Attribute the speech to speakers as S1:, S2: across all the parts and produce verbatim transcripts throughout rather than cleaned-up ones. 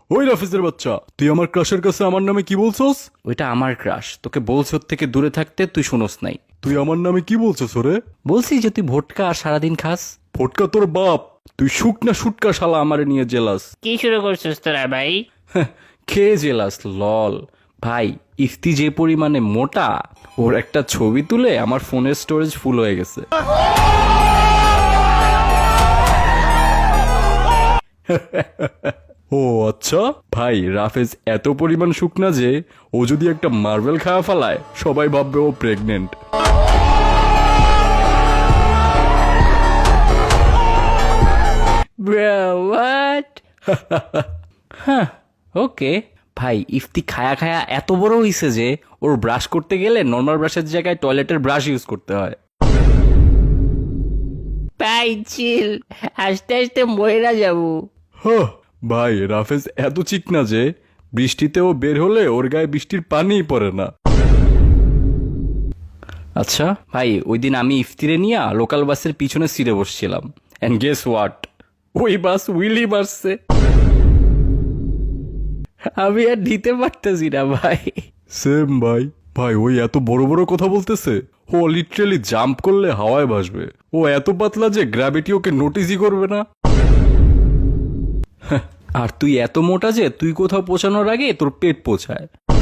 S1: ওই রাফিজের বাচ্চা, তুই আমার ক্রাশের কাছে আমার নামে কি বলছস?
S2: ওইটা আমার ক্রাশ, তোকে বলছি ওর থেকে দূরে থাকতে, তুই শুনোস নাই।
S1: তুই আমার নামে কি বলছস ওরে?
S2: বলছি যে তুই ভোটকা আর সারাদিন খাস।
S1: ফটকা তোর বাপ, তুই শুকনা শুটকা শালা আমারে নিয়ে জেলাস।
S3: কি শুরু করছিস তোরা ভাই?
S2: খেয়ে জেলাস লল। ভাই ইফতি যে পরিমাণে মোটা, ওর একটা ছবি তুলে আমার ফোনের স্টোরেজ ফুল হয়ে গেছে।
S1: ও আচ্ছা।
S2: ভাই রাফেজ এত পরিমাণ শুকনা যে ও যদি একটা মার্বেল খাওয়া ফেলায় সবাই ভাববে ও প্রেগনেন্ট।
S3: হোয়াট?
S2: হ্যাঁ ওকে। ভাই ইফতি খায়া খায়া এত বড় হইছে যে ওর ব্রাশ করতে গেলে নর্মাল ব্রাশের জায়গায় টয়লেটের ব্রাশ ইউজ করতে হয়।
S3: ভাই চিল, আস্তে আস্তে মরে যাবো।
S1: হ্যাঁ ভাই, রাফেজ এত চিকনা যে বৃষ্টিতে ও বের হলে ওর গায়ে বৃষ্টির পানিই পড়ে না।
S2: আচ্ছা ভাই, ওই দিন আমি ইফতিরে নিয়ে লোকাল বাসের পিছনে সিটে বসছিলাম, এন্ড গেস হোয়াট, ওই বাস উইলি মারছে। আমি আর দিতে পারতেছি না ভাই।
S1: সেম ভাই। ভাই ওই এত বড় বড় কথা বলতেছে, ও লিটারালি জাম্প করলে হাওয়ায় ভাসবে। ও এত পাতলা যে গ্র্যাভিটি ওকে নোটিসই করবে না।
S2: আর তুই এত মোটা যে তুই কোথাও পৌঁছানোর আগে তোর পেট পৌঁছায়।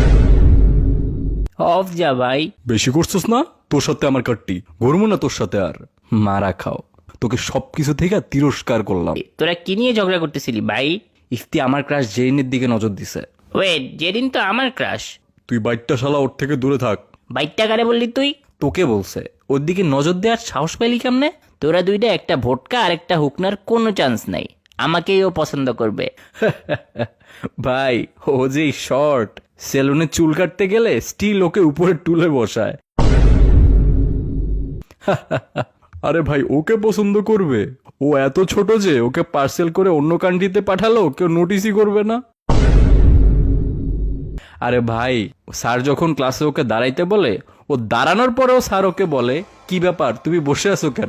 S3: অফ যা ভাই।
S1: বেশি করছিস না? তোর সাথে আমার কাটটি ঘুরবো না তোর সাথে আর।
S2: মারা খাও,
S1: তোকে সবকিছু থেকে তিরস্কার করলাম।
S3: তোরা কি নিয়ে ঝগড়া করতেছিলি ভাই?
S2: ইফতি আমার ক্রাশ জেরিনের দিকে নজর দিছে।
S3: ওয়েট, যেদিন তো আমার ক্রাশ।
S1: তুই বাইকটা শালা ওর থেকে দূরে থাক।
S3: বাইকটা কারে বললি তুই?
S2: তোকে বলছে। ওর দিকে নজর দেওয়ার সাহস পাইলি কেমনে?
S3: তোরা দুইটা, একটা ভোটকা আর একটা হুকনার কোনো চান্স নাই। আমাকেই ও পছন্দ করবে।
S2: ভাই ও যে শর্ট, সেলুনে চুল কাটতে গেলে স্টিল ওকে উপরে তুলে বসায়।
S1: আরে ভাই ওকে পছন্দ করবে? ও এত ছোট যে ওকে পার্সেল করে অন্য কান্ট্রিতে পাঠালো কেউ নোটিসই করবে না।
S2: আরে ভাই, স্যার যখন ক্লাসে ওকে দাঁড়াইতে বলে, ও দাঁড়ানোর পরেও স্যার ওকে বলে কি ব্যাপার তুমি বসে আছো কেন?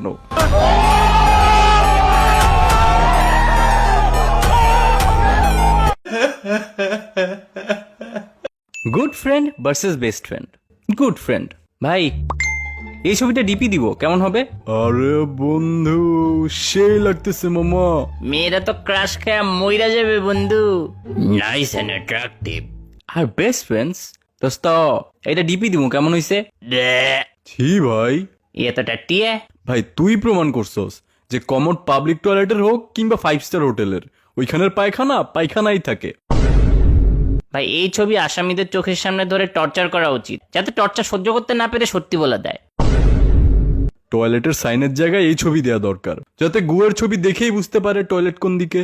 S2: Good friend versus best friend. Good friend. ভাই এই ছবিটা ডিপি দিব, কেমন হবে?
S1: আরে বন্ধু, সেই লাগতেছে মামা।
S3: মেয়েরা তো ক্রাশ খায়া মইরা যাবে বন্ধু। Nice and attractive.
S2: আর বেস্ট ফ্রেন্ডস, দোস্ত এটা ডিপি দিব, কেমন হইছে?
S1: ছি ভাই।
S3: এতটা টিয়ে।
S1: ভাই তুই প্রমাণ করছস যে কমন পাবলিক টয়লেটের হোক কিংবা ফাইভ স্টার হোটেলের, ওইখানের পায়খানা পায়খানাই থাকে।
S3: ভাই এই ছবি আসামিদের চোখের সামনে ধরে টর্চার করা উচিত, যাতে টর্চার সহ্য করতে না পেরে সত্যি বলে দেয়।
S1: টয়লেটের সাইনের জায়গায় এই ছবি দেওয়া দরকার, যাতে গুয়ের ছবি দেখেই বুঝতে পারে টয়লেট কোন দিকে।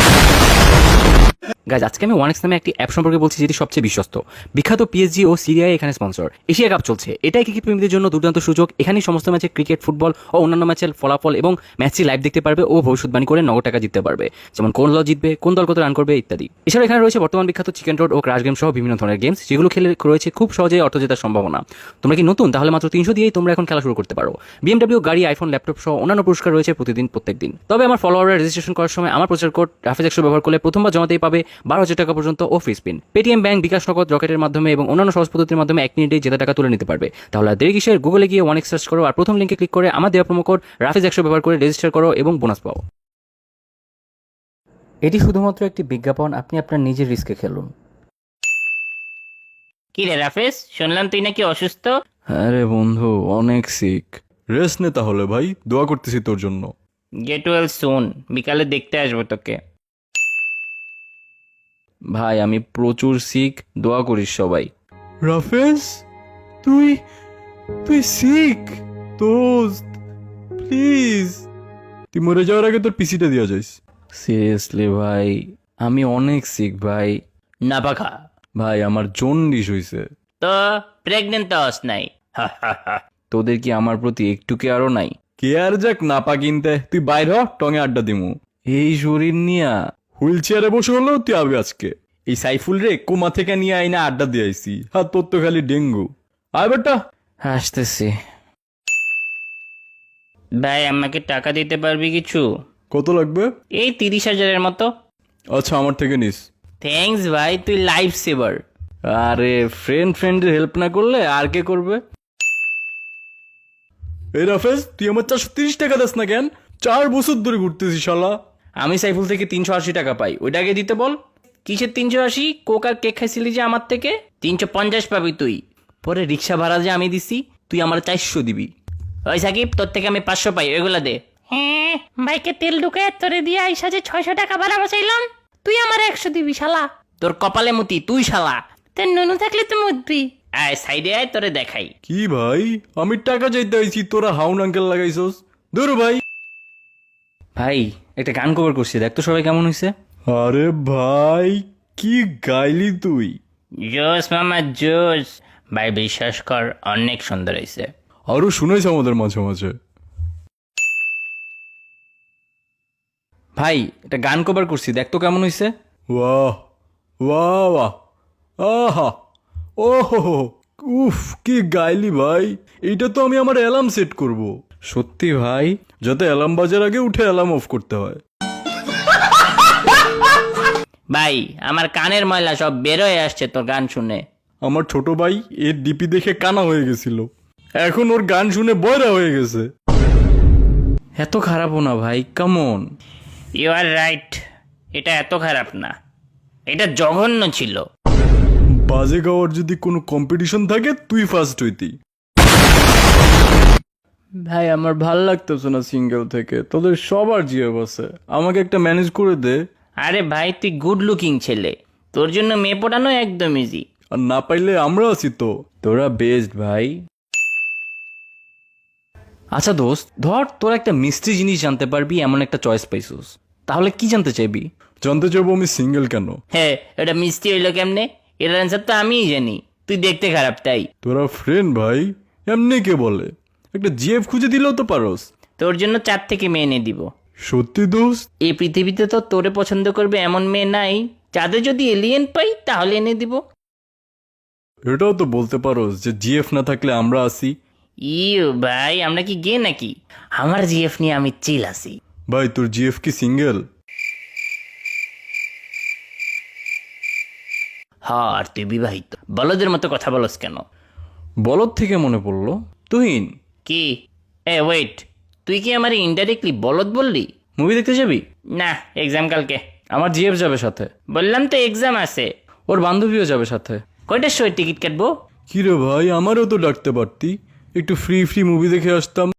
S2: গাইজ আজকে আমি ওয়ানেক্স নামে একটি অ্যাপ সম্পর্কে বলছি যেটি সবচেয়ে বিশ্বস্ত। বিখ্যাত পিএসজি ও সিরিয়ায় এখানে স্পন্সর। এশিয়া কাপ চলছে, এটাই ক্রিকেট প্রেমীদের জন্য দুর্দান্ত সুযোগ। এখানেই সমস্ত ম্যাচে ক্রিকেট, ফুটবল ও অন্যান্য ম্যাচের ফলাফল এবং ম্যাচটি লাইভ দেখতে পারবে ও ভবিষ্যৎবাণী করে নগদ টাকা জিততে পারবে, যেমন কোন দল জিতবে, কোন দল কত রান করবে ইত্যাদি। এছাড়া এখানে রয়েছে বর্তমান বিখ্যাত চিকেন রোড ও ক্রাশ গেম সহ বিভিন্ন ধরনের গেমস, যেগুলো খেলে রয়েছে খুব সহজেই অর্থ জেতার সম্ভাবনা। তোমরা কি নতুন? তাহলে মাত্র তিনশো দিয়েই তোমরা এখন খেলা শুরু করতে পারো। বিএমডব্লিউ গাড়ি, আইফোন, ল্যাপটপ সহ অন্যান্য পুরস্কার রয়েছে প্রতিদিন প্রত্যেক দিন। তবে আমার ফলোয়াররা রেজিস্ট্রেশন করার সময় আমার প্রচার কোড রাফেজ একশো ব্যবহার করলে প্রথমবার জমাতেই পাবে বারো হাজার টাকা পর্যন্ত ও free spin. Paytm bank, bKash Nagad, রকেটের মাধ্যমে এবং অন্যান্য সহজ পদ্ধতির মাধ্যমে এক মিনিটেই জেতা টাকা তুলে নিতে পারবে। তাহলে আর দেরি কিসের? গুগলে গিয়ে ওয়ানেক্স সার্চ করো আর প্রথম লিঙ্কে ক্লিক করে আমার দেওয়া প্রোমো কোড রাফেজ একশো ব্যবহার করে রেজিস্টার করো এবং বোনাস পাও। এটি শুধুমাত্র একটি বিজ্ঞাপন, আপনি আপনার নিজের রিস্কে খেলুন।
S3: কি রে রাফেজ, শুনলাম তুই নাকি অসুস্থ?
S1: আরে বন্ধু অনেক সিক। রেস্ট নে তাহলে ভাই, দোয়া করতেছি তোর জন্য।
S3: গেট ওয়েল সুন, বিকালে দেখতে আসবো তোকে।
S2: ভাই আমি প্রচুর সিক, দোয়া করিস সবাই।
S1: রাফেজ, তুই তুই সিক দোস্ত, প্লিজ তুই মরে যাওয়ার আগে তোর পিসিটা দিয়া যাইস।
S2: সিরিয়াসলি ভাই, আমি অনেক সিক ভাই।
S3: না পাখা
S1: ভাই আমার জন্ডিস হইছে।
S3: তো প্রেগনেন্ট তো হস নাই।
S2: তোদের কি আমার প্রতি একটু কেয়ারও নাই?
S1: কে আর যাক নাপা কিনতে, তুই বাইর হ, টঙে আড্ডা দিমু।
S2: এই শরীর নিয়া
S1: হুইল চেয়ারে বসে হলেও তুই আবি আজকে। এই সাইফুল রে কোমা থেকে নিয়ে আইনা আড্ডা দিয়ে আইসি। আর তোর তো খালি ডেঙ্গু। আয় বেটা।
S2: আসতেছি।
S3: ভাই আমাকে টাকা দিতে পারবি কিছু?
S1: কত লাগবে?
S3: এই তিরিশ হাজারের মতো।
S1: আচ্ছা আমার থেকে নিস।
S3: থ্যাঙ্কস ভাই, তুই লাইফ সেভার।
S1: আরে ফ্রেন্ড ফ্রেন্ডের হেল্প না করলে আর কে করবে? এই রাফেজ, তুই আমার চারশো তিরিশ টাকা দাস না কেন? চার বছর ধরে ঘুরতেছি শালা।
S3: আমি সাইফুল থেকে তিনশো আশি টাকা পাই, ওইটাকে দিতে বল। কিসের তিনশো আশি? কোক আর কেক খাইছিলি যে আমার থেকে, তিনশো পঞ্চাশ পাবি তুই। পরে রিক্সা ভাড়া যে আমি দিছি, তুই আমার চারশো দিবি। ওই সাকিব, তোর থেকে আমি পাঁচশো পাই, ওইগুলা দে। হ্যাঁ, বাইকে তেল ঢুকে তোরে দিয়ে আইসা যে ছয়শো টাকা ভাড়া বাঁচাইলাম, তুই আমার একশো দিবি শালা। তোর কপালে মুতি, তুই শালা। তোর নুনু থাকলে তো মুতবি। আয় সাইডে আয়, তোরে দেখাই।
S1: কি ভাই, আমি টাকা চাইতে আইছি, তোরা হাউন আঙ্কেল লাগাইছস? দূর ভাই।
S2: ভাই একটা গান কভার করছি, দেখ তো সবাই কেমন হয়েছে।
S1: আরে ভাই, কি গাইলি তুই!
S3: জোস মামা জোস। ভাই বিশ্বাস কর, অনেক সুন্দর হয়েছে।
S1: আরো শুনাইছ আমাদের মাঝে মাঝে।
S2: ভাই একটা গান কভার করছি, দেখ তো কেমন হয়েছে।
S1: বাহ বাহ বাহ, আহা, ওহো, উফ, কি গাইলি ভাই! এইটা তো আমি আমার অ্যালার্ম সেট করব। সত্যি ভাই, যাতে অ্যালার্ম বাজার আগে উঠে অ্যালার্ম অফ করতে হয়।
S3: ভাই আমার কানের ময়লা সব বেরোয় আসছে তোর গান শুনে।
S1: আমার ছোট ভাই এর ডিপি দেখে কানা হয়ে গেছিল, এখন ওর গান শুনে বয়রা হয়ে গেছে।
S2: এত খারাপও না ভাই, কেমন।
S3: ইউ আর রাইট, এটা এত খারাপ না, এটা জঘন্য ছিল।
S1: বাজে গাওয়ার যদি কোনো কম্পিটিশন থাকে তুই ফার্স্ট হইতি। ভাই আমার ভাল লাগতেছে না সিঙ্গেল থেকে, তোদের সবার জিএফ আছে, আমাকে একটা ম্যানেজ করে দে।
S3: আরে ভাই তুই গুড লুকিং ছেলে, তোর জন্য মেয়ে পটানো একদম ইজি।
S1: আর না পাইলে আমরা আছি তো।
S2: তোরা বেস্ট ভাই। আচ্ছা দোস্ত, ধর তোরা একটা মিষ্টি জিনিস জানতে পারবি এমন একটা চয়েস পাইছিস, তাহলে কি জানতে চাইবি?
S1: জানতে চাইবো আমি সিঙ্গেল কেন।
S3: হ্যাঁ, এটা মিষ্টি হইলো কেমনে? এর অ্যান্সার তো আমিই জানি, তুই দেখতে খারাপ তাই।
S1: তোরা ফ্রেন্ড ভাই, এমনি কে বলে? একটা জিএফ খুঁজে দিলেও তো পারোস।
S3: তোর জন্য চার থেকে মেয়ে এনে দিব।
S1: সত্যি দোস্ত?
S3: এই পৃথিবীতে তো তোরে পছন্দ করবে এমন মেয়ে নাই, চাঁদে যদি এলিয়েন পাই তাহলে এনে দিব।
S1: এটাও তো বলতে পারোস যে জিএফ না থাকলে আমরা আসি।
S3: ইউ ভাই, আমরা কি গে নাকি? আমার জিএফ নিয়ে আমি চিল আছি।
S1: ভাই তোর জিএফ কি সিঙ্গেল?
S3: হ্যাঁ, আর তুই বিবাহিত। বলদের মতো কথা বলস কেন?
S2: বলদ থেকে মনে পড়লো, তুহিন
S3: কি? এ ওয়েট, তুই কি আমার ইনডাইরেক্টলি বলদ বললি?
S2: মুভি দেখতে যাবি?
S3: না, এক্সাম কালকে।
S2: আমার জিএফ যাবে সাথে,
S3: বললাম তো এক্সাম আছে।
S2: ওর বান্ধবীও যাবে সাথে।
S3: কয়টার সময় টিকিট কাটবো?
S1: কি রে ভাই, আমারও তো ডাকতে পারতি, একটু ফ্রি ফ্রি মুভি দেখে আসতাম।